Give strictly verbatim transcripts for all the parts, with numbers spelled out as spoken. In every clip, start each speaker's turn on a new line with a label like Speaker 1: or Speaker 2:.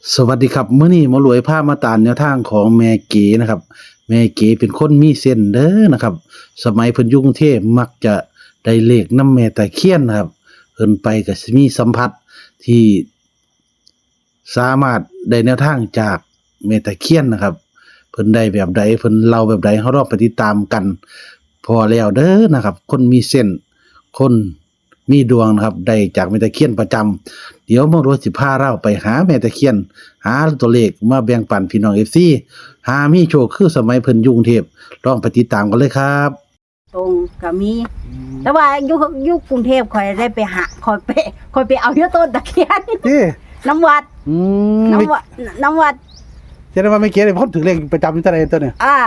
Speaker 1: สวัสดีครับมื้อนี้หมารวยพามาตามแนวทางของแม่เก๋นะครับ แม่เก๋เป็นคนมีเส้นเด้อนะครับ สมัยเพิ่นอยู่กรุงเทพมักจะได้เลขนำแม่ตะเคียนนะครับเพิ่นไปก็สิมีสัมผัสที่สามารถได้แนวทางจากแม่ตะเคียนนะครับ เพิ่นได้แบบใดเพิ่นเล่าแบบใดเฮาลองไปติดตามกัน พอแล้วเด้อนะครับ คนมีเส้นคนมีดวงนะครับได้จากแม่ตะเคียนประจำเดี๋ยวหมารวยสิพาเราไปหาแม่ตะเคียน หาตัวเลขมาแบ่งปันพี่น้อง เอฟ ซี หามีโชคคือสมัยเพิ่นอยู่กรุงเทพลองไปติดตามกันเลยครับ
Speaker 2: ตรงก็มี แต่ว่าอยู่อยู่กรุงเทพข่อยได้ไปหาข่อยไปข่อยไปเอาอยู่ต้นตะเคียน
Speaker 1: นี่
Speaker 2: น้ำวัด
Speaker 1: อืม
Speaker 2: น้ำวัดน้ำวัด
Speaker 1: แสดงว่าแม่เก๋นี่เพิ่นถือเลขประจำอยู่แต่ใดตัวเนี่ย
Speaker 2: อ่าง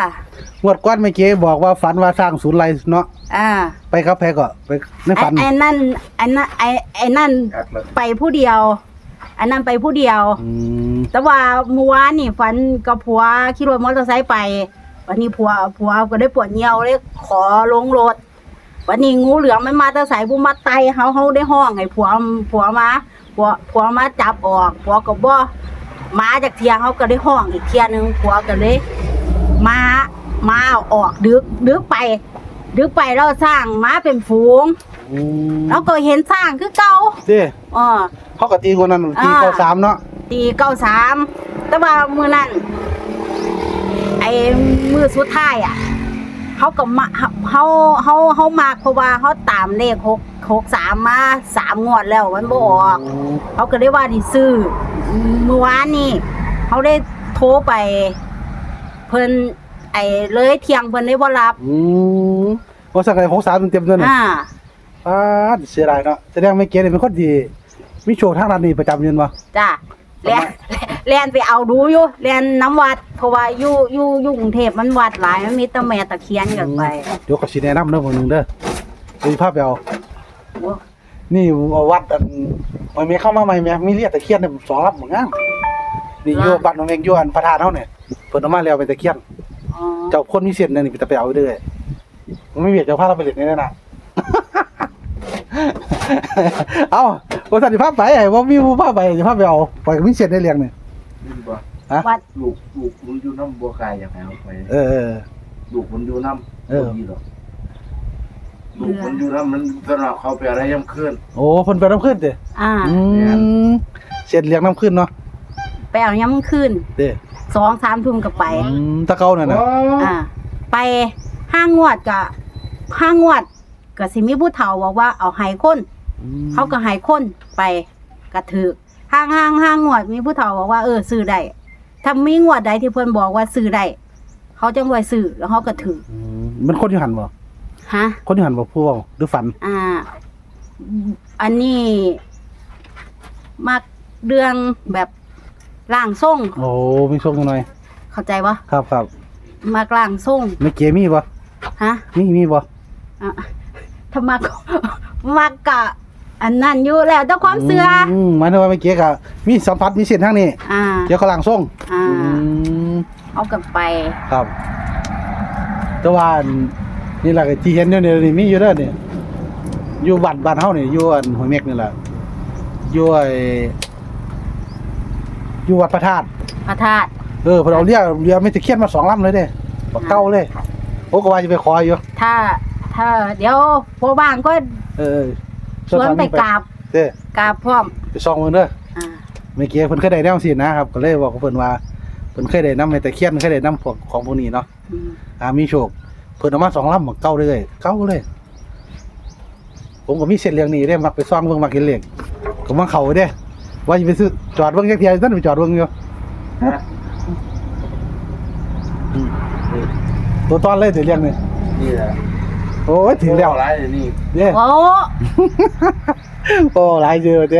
Speaker 1: วดก่อนแม่เก๋บอกว่าฝันว่าสร้างศูนย์ไรเนาะ
Speaker 2: อ่า
Speaker 1: ไปครับแพ้ก็ไปใน
Speaker 2: ไอ้
Speaker 1: ฝัน
Speaker 2: ไอ้นั่นไอ้นั่นไอ้ไอ้นั่นไปผู้เดียวไอ้นั่นไปผู้เดียว
Speaker 1: อืม
Speaker 2: แต่ว่าเมื่อวานนี่ฝันกับผัวขี่รถมอเตอร์ไซค์ไป วันนี้ผัวผัวก็ได้ปวดเหี่ยวเลยขอลงรถ วันนี้งูเหลือมมันมาแตะไสบุมาไตเฮาเฮาได้ห้องให้ผัวผัวมาผัวผัวมาจับออกผัวก็บ่มาจากเที่ยงเฮาก็ได้ห้องอีกเที่ยนึงผัวก็เลยมามาเอาออกดึกดึกไป ดึกไปแล้วสร้างมาเป็นฝูง
Speaker 1: อืม
Speaker 2: แล้วก็เห็นสร้างคือเก่า
Speaker 1: เด้
Speaker 2: อ้อ
Speaker 1: เขาก็ตีคนนั้นตี
Speaker 2: อ่า
Speaker 1: เข้าสามเนาะ
Speaker 2: ตีเก้าสามแต่ว่ามื้อนั้นไอ้มื้อสุดท้ายอ่ะเขาก็มาเฮาเฮาเฮาเฮามากเพราะว่าเขาตามเลขหก หกสามมาสามงวดแล้วมันบ่ออก
Speaker 1: อืม
Speaker 2: เขาก็ได้ว่าสิซื้อเมื่อวานนี้เขาได้โทรไป เพิ่นไอ้เลยเที่ยงเพิ่นได้บ่รับ
Speaker 1: อืมว่าสักไอ้หกสามเต็มๆตัวเนี่ย
Speaker 2: อ่า
Speaker 1: อ่าเสียดายเนาะแสดงแม่เก๋นี่เป็นคนดีมีโชคทางด้านนี้ประจำอยู่บ่
Speaker 2: จ้ะแล่นแล่นไปเอาดูอยู่แล่นน้ำวัดเพราะว่าอยู่อยู่อยู่กรุงเทพมันวัดหลายมันมีแต่แม่ตะเคียนกันไป
Speaker 1: เดี๋ยวก็สิแนะนำเด้อมื้อนึงเด้อเดี๋ยวสิพาไปเอา
Speaker 2: โอ้
Speaker 1: นี่เอาวัดอันมันมีเข้ามาใหม่แม่มีเรียกตะเคียนเนี่ยสองลำเหมือนกันนี่อยู่บ้านน้องเองอยู่อันพระธาตุเฮาเนี่ยเพิ่นเอามาแล้วเป็นตะเคียน
Speaker 2: อ๋อ
Speaker 1: เจ้าคนมีเส้นนั่นนี่ไปเอาเด้อมันไม่เวียดเจ้าพาเราไปเล่นนี่นั่นน่ะ เอ้าบ่ทันสิพาไปไอ้บ่มีผู้พาไปสิพาไปเอาไปก็มีเส้นได้เลี้ยงนี่
Speaker 3: นี่บ่
Speaker 1: ฮะ
Speaker 2: วัด
Speaker 3: ลูกลูกมันอยู่น้ำบัวกายอย่างไรเอาไป
Speaker 1: เออเออ
Speaker 3: ลูกมันอยู่น้ำ
Speaker 1: เออ
Speaker 3: บ่ดีหรอกลูกมันอยู่น้ำมันสำหรับเขาไปอะไรย่ำคืน
Speaker 1: โอ้เพิ่นไปน้ำขึ้นเด้
Speaker 2: อ่า
Speaker 1: อืมเส้นเลี้ยงน้ำขึ้นเนาะ
Speaker 2: ไปเอาย้ำคืน
Speaker 1: เด้
Speaker 2: สองสามทุ่มก็ไป
Speaker 1: อืมตะเกานั่นน่ะ
Speaker 2: อ่า ไปห้างวดกะห้างวดก็สิมีผู้เฒ่าบอกว่าเอาให้คน
Speaker 1: อืม
Speaker 2: เขาก็ให้คนไปกระถือห้างห้างห้างงวดมีผู้เฒ่าบอกว่าเออซื้อได้ถ้ามีงวดใดที่เพิ่นบอกว่าซื้อได้เขาจังไว้ซื้อแล้วเขาก็ถือ
Speaker 1: อืมมันคนอยู่หันบ่
Speaker 2: ฮะ
Speaker 1: คนอยู่หันบ่ผู้เว้าหรือฝัน
Speaker 2: อ่า อันนี้มักเรื่องแบบร่างทรง
Speaker 1: โอ้มีโชคจังหน่อย
Speaker 2: เข้าใจปะ
Speaker 1: ครับครับ
Speaker 2: มักร่างทรง
Speaker 1: ไม่เกมีบ่
Speaker 2: ฮะ
Speaker 1: มีมีบ่
Speaker 2: อ่ะถ้ามัก มักกะ อันนั้นอยู่แล้วแต่ความเชื่อ
Speaker 1: อืมหมายถึงว่าไม่เกก็มีสัมผัสมีเส้นทางนี้
Speaker 2: อ่า
Speaker 1: เกี่ยวกับหลังส่ง
Speaker 2: อ่า
Speaker 1: อืม
Speaker 2: เอากันไป
Speaker 1: ครับแต่ว่าอันนี่แหละที่เห็นเนี่ยนี่มีอยู่เด้อนี่อยู่บ้านบ้านเฮานี่อยู่อันห้วยเม็กนี่แหละอยู่ไอ้อยู่วัดพระธาตุ
Speaker 2: พระธาตุ
Speaker 1: เออเพิ่นเอาเรือเรือไม่ตะเคียนมาสองลำเลยเด้บักเก่าเลยโอ้ก็ว่าจะไปขออยู่
Speaker 2: ถ้า ถ้า เดี๋ยวพอบ้างก็
Speaker 1: เออ
Speaker 2: ชวนไปกราบ
Speaker 1: เด้
Speaker 2: กราบพร้อม
Speaker 1: ไปส่องเบิ่งเด้อ
Speaker 2: อ่า
Speaker 1: เมื่อกี้เพิ่นเคยได้แนวสินะครับก็เลยบอกกับเพิ่นว่าเพิ่นเคยได้นำแม่ตะเคียนเคยได้นำพวกของพวกนี้เนาะ
Speaker 2: อืม
Speaker 1: อ่ามีโชคเพิ่นเอามาสองลำบักเก่าเลยเก่าเลย ผมก็มีเส้นเรื่องนี้เด้มักไปซ่องเบิ่งมักเห็นเลขก็มาเข้าเด้ว่าสิไปซื้อจอดเบิ่งจักเที่ยนั่นไปจอดเบิ่งอยู่
Speaker 3: ฮะ
Speaker 1: อืมตัวตอนเลยสิเรื่องนี้
Speaker 3: นี่แหละ
Speaker 1: โอ้ยถึงแล้ว
Speaker 3: อะไรนี่
Speaker 1: เด้
Speaker 2: โอ้
Speaker 1: โอ้หลายเจอเด้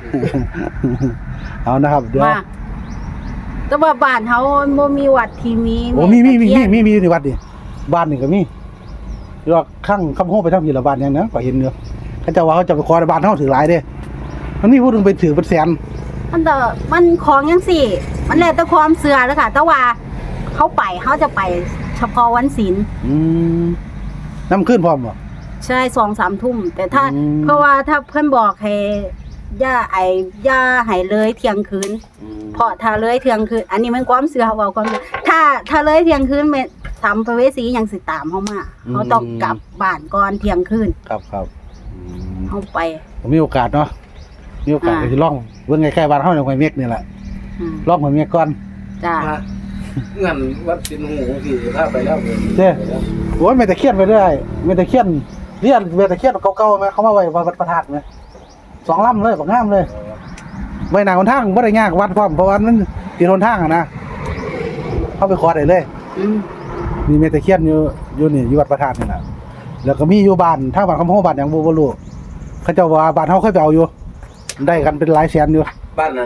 Speaker 1: เอานะครับเดี๋ยว
Speaker 2: มาแต่ว่าบ้านเฮาบ่มีวัดที่มี
Speaker 1: โอ้มีมีมี
Speaker 2: แตะ
Speaker 1: มี
Speaker 2: เคียน
Speaker 1: มีมีอยู่ในวัดนี่บ้านนี่ก็มีเรียกว่าข้างคำโฮไปทางพีละบ้านอย่างนั้นก็เห็นเนื้อเขาเจะว่าเขาจะไปขอในบ้านเฮาถือหลายเด้มันมีผู้หนึงไปถือเป็นแสน
Speaker 2: มันแต่มันของจังซี่ มันแล้วแต่ความเชื่อเด้อค่ะ แต่ว่าเขาไปเขาจะไปเฉพาะวันศีล
Speaker 1: อืมน้ำขึ้นพร้อมบ่
Speaker 2: ใช่สองสามทุ่มแต่ถ้า
Speaker 1: อืม
Speaker 2: เพราะว่าถ้าเพื่อนบอกให้อย่าไอ้อย่าให้เลยเที่ยงคืน
Speaker 1: อืม
Speaker 2: เพราะถ้าเลยเที่ยงคืนอันนี้มันความเชื่อเว้าความเชื่อถ้าถ้าเลยเที่ยงคืนแม่สัมภเวสียังสิตามเฮามาเฮาต้องกลับบ้านก่อนเที่ยงคืน
Speaker 1: ครับครับอืม
Speaker 2: เฮาไป
Speaker 1: ผมมีโอกาสเนาะมีโอกาส
Speaker 2: อ่า
Speaker 1: ก็สิลองเบิ่งใกล้ๆบ้านเฮาในห้วยเม็กนี่แหละ
Speaker 2: อืม
Speaker 1: ลองห้วยเม็กก่อน
Speaker 2: จ้า
Speaker 3: มาเงินวัดสินหูที่ถ้าไปแล้ว
Speaker 1: เด้โอ้ยแม่ตะเคียนไปเรื่อยแม่ตะเคียนเรียนแม่ตะเคียนเก่าๆมั้ยเขามาไว้วัดพระธาตุมั้ยสองลำเลยบักงามเลยไว้หน้าหนทางบ่ได้ยากวัดพร้อมเพราะว่ามันติดหนทางอะนะเข้าไปขอได้เลย
Speaker 2: อืม
Speaker 1: มีแม่ตะเคียนอยู่อยู่นี่อยู่วัดพระธาตุนี่น่ะแล้วก็มีอยู่บ้านทางบ้านคำโฮบ้านหยังบ่บ่รู้เขาเจ้าว่าบ้านเฮาเคยไปเอาอยู่ได้กันเป็นหลายแสนอยู่
Speaker 3: บ้านนั้น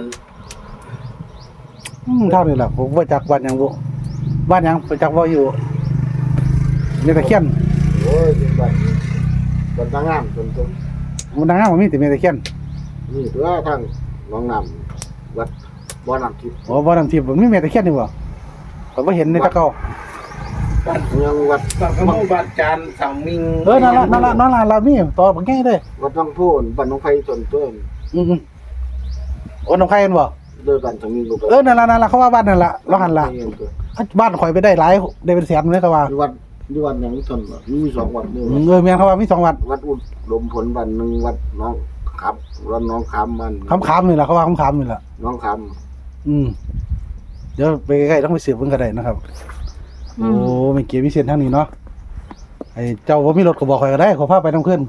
Speaker 1: อืมเท่านี้แหละผมบ่จักบ้านหยังบ่บ้านหยังบ่จักว่าอยู่แม่ตะเคียน
Speaker 3: โอ้ยเป็นบ้านบ้านทางงามส่วนตัว
Speaker 1: มันดังงามบ่มีแต่แม่ตะเคียน
Speaker 3: นี่ตัวทางหนองน้ำวัดบ่อน้ำทิพย์
Speaker 1: อ๋อบ่นำทิพย์บ่มีแม่ตะเคียนนี่บ่ข้อยบ่เห็นในตะเกา
Speaker 3: บ้านยังวัดบ้านขโมยบ้านจานสังมิง
Speaker 1: เออนั่นล่ะนั่นล่ะนั่นล่ะเรามีต่อบักใหญ่เด้
Speaker 3: วัดน้องพูนบ้านน้องไผ่ส่วนตัว
Speaker 1: อือๆโอ้น้องไข่เห็นบ่
Speaker 3: โดยบ้านสังมิงลูก
Speaker 1: เออนั่นล่ะนั่นล่ะเขาว่าบ้านนั่นล่ะเราหันล่ะบ้านข่อยไปได้หลายได้เป็นแสนเลยเขาว่า
Speaker 3: วัดอยู่วัดหยังทนมีสองวัดนี่
Speaker 1: อืมเออแม่นเขาว่ามีสองวัด
Speaker 3: วัดอุดมผลวันหนึ่งวัดน้องครับวัดน้องคำมัน
Speaker 1: คำๆนี่ล่ะเขาว่าคำๆนี่ล่ะ
Speaker 3: น้องค
Speaker 1: อืมเดี๋ยวไปใกล้ๆต้องไปสืบเพิ่นก็ได้นะครับ โอ้ไม่เกี่ยวมีเส้นทางนี้เนาะไอ้เจ้าบ่มีรถก็บอกข่อยก็ได้ขอพาไปนำขึ้น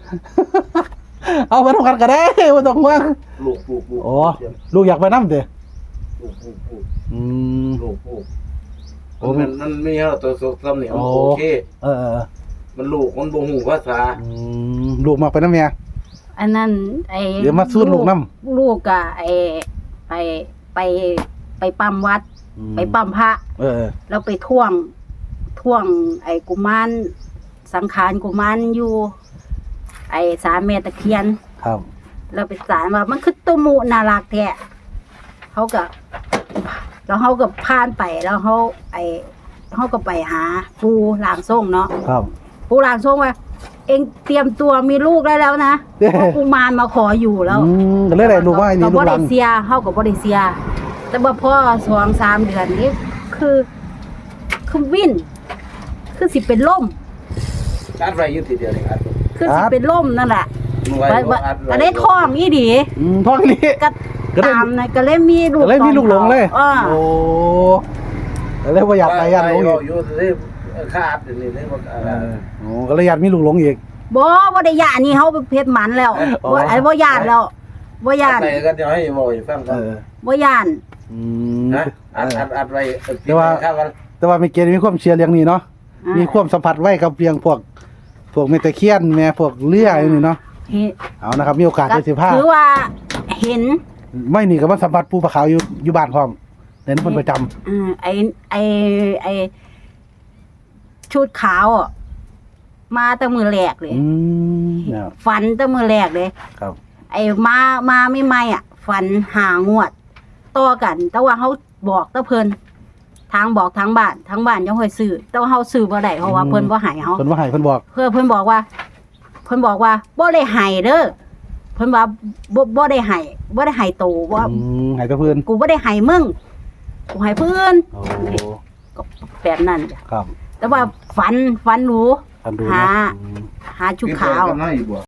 Speaker 1: เอาไปนำกันก็ได้บ่ต้องห่วง
Speaker 3: ำลูกปลูกปลูก
Speaker 1: อ๋อลูกอยากไปนำเด้
Speaker 3: ลูกปลูกปลูก
Speaker 1: อืม
Speaker 3: ลูกปลูก
Speaker 1: โอ้
Speaker 3: มันมันมีเราตัวสุขซ้ำเนี่ย
Speaker 1: โอ้
Speaker 3: โอเค
Speaker 1: เออเออ
Speaker 3: มันลูกมันบ่หูภาษา
Speaker 1: อืมลูกมักไปนำแม่
Speaker 2: อันนั้นไอ้
Speaker 1: เดี๋ยวมาสู้ลูกนำ
Speaker 2: ลูกก็ไอ้ไปไปไปปั๊มวัด ไปปั๊มพระ
Speaker 1: เออ
Speaker 2: แล้วไปท่วงท่วง ไอ้กุมารสังขารกุมารอยู่ ไอ้สามแม่ตะเคียน
Speaker 1: ครับ
Speaker 2: เราไปสารว่ามันคือตุมุน่ารักแท้เขาก็แล้วเขาก็ผ่านไปแล้วเขาไอ้เขาก็ไปหาปูลางส่งเนาะ
Speaker 1: ครับ
Speaker 2: ปูลางส่งว่า เองเตรียมตัวมีลูกได้แล้วนะ
Speaker 1: เด้
Speaker 2: เพราะกุมารมาขออยู่แล้ว
Speaker 1: อืมก็เลยได้ลูกว่าไอ้นี่
Speaker 2: ก็
Speaker 1: ลู
Speaker 2: บ่
Speaker 1: กหลั
Speaker 2: ได้
Speaker 1: ง
Speaker 2: เสียเขาก็บ่ได้เสีย แต่ว่าพ่อสองสามเดือนนี้คือคือวิ่นคือสิเป็นล่ม
Speaker 3: อัดไว้อยู่ทีเดียวนี่อัด
Speaker 2: คือสิเป็นล่มนั่นแหละ
Speaker 3: ไว้
Speaker 2: ว่าว่า
Speaker 3: อัดไว้
Speaker 2: อันนี้ท้องอีดี
Speaker 1: อืมท้องนี่
Speaker 2: ก็
Speaker 1: ก็เลย
Speaker 2: ตามนะก็เลยมีลูก
Speaker 1: ก็เลยมีลูกหลงเลย
Speaker 2: อ่า
Speaker 1: โอ้ก็เลยบ่อยากไปยันหลงอีก
Speaker 3: อยู่ที่ค่าอัดนี่นี่ว่าอะไร
Speaker 1: เออโอ้ก็เลยอยากมีลูกหลงอีก
Speaker 2: บ่บ่ได้ย่านนี่เฮาไปเพชรหมันแล้ว
Speaker 1: อ๋อ
Speaker 2: บ่ไอ้บ่ย่านแล้วบ่ย่าน
Speaker 3: ไปกันเดี๋ยวให้บอกให้ฟังกั
Speaker 1: เอน อ
Speaker 2: บ่ย่าน
Speaker 1: อืม
Speaker 3: นะอัดอัดอัดไว้
Speaker 1: แต่ว่า
Speaker 3: ข้าวกัน
Speaker 1: แต่ว่าไม่เกณฑ์มีความเชื่อเรื่องนี้เนาะ
Speaker 2: อ่า
Speaker 1: มีความสัมผัสไว้กับเพียงพวก พวกเมตะเคียนแม่พวกเลื่อยนี่เนาะ
Speaker 2: เห็น
Speaker 1: เอานะครับ มีโอกาสได้สิพา
Speaker 2: ถือว่าเห็น
Speaker 1: ไม่นี่ก็มาสัมผัสปูปลาขาวอยู่อยู่บ้านพร้อมเน้นเพิ่นประจำ
Speaker 2: อืมไอ้ไอ้ไอ้ชุดขาวอ่ะมาแต่มือแรกเลย
Speaker 1: อืมเนี่ย
Speaker 2: ฝันแต่มือแรกเลย
Speaker 1: ครับ
Speaker 2: ไอ้มามาไม่ไม่อ่ะ ฝันหางวดต่อกัน แต่ว่าเขาบอกแตะเพิ่นทางบอกทางบ้านทางบ้านยังค่อยซื้อแต่ว่าเฮาซื้อบ่ได้เพราะว่าเพิ่นบ่ให้เฮา
Speaker 1: เพิ่นว่าให้เพิ่นบอก
Speaker 2: เพื่อเพิ่นบอกว่า เพิ่นบอกว่าบ่ได้ให้เด้อเพิ่นว่าบ่บ่ได้ให้บ่ได้ให้โตว่า
Speaker 1: อืมให้แตะเพิ่น
Speaker 2: กูบ่ได้ให้มึงกูให้เพิ่น
Speaker 1: โอ้
Speaker 2: ก็แบบนั้นจ้ะ
Speaker 1: ครับ
Speaker 2: แต่ว่าฝันฝันรู้
Speaker 1: ท่านดู
Speaker 2: หา
Speaker 1: นะอืม
Speaker 2: หาชุดขาว
Speaker 3: กันน้อยบ่